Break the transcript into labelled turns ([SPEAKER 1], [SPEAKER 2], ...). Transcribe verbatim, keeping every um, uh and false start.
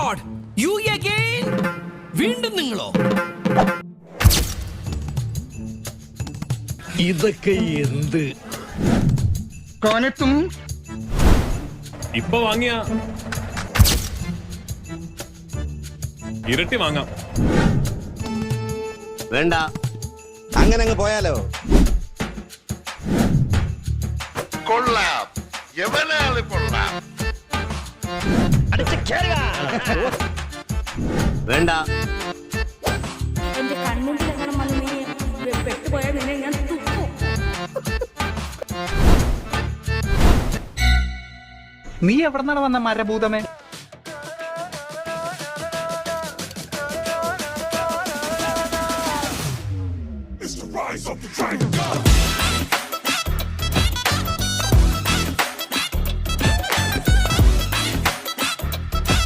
[SPEAKER 1] God, you again? വീണ്ടും നിങ്ങളോ?
[SPEAKER 2] ഇതൊക്കെ എന്ത്?
[SPEAKER 3] കോനെത്തും
[SPEAKER 4] ഇപ്പൊ വാങ്ങിയ ഇരട്ടി വാങ്ങാം.
[SPEAKER 5] വേണ്ട, അങ്ങനെ അങ്ങ് പോയാലോ?
[SPEAKER 6] കൊള്ളാം, എവനാള് കൊള്ളാം.
[SPEAKER 5] വേണ്ട,
[SPEAKER 7] എന്റെ കണ്ണുമ്പിൽ എങ്ങനെ വന്ന് നീ പെട്ടുപോയാൽ നിന്നെ ഞാൻ തുപ്പും.
[SPEAKER 3] നീ എവിടെന്നാണ് വന്ന മരഭൂതമേ?
[SPEAKER 6] Rise of the dragon god.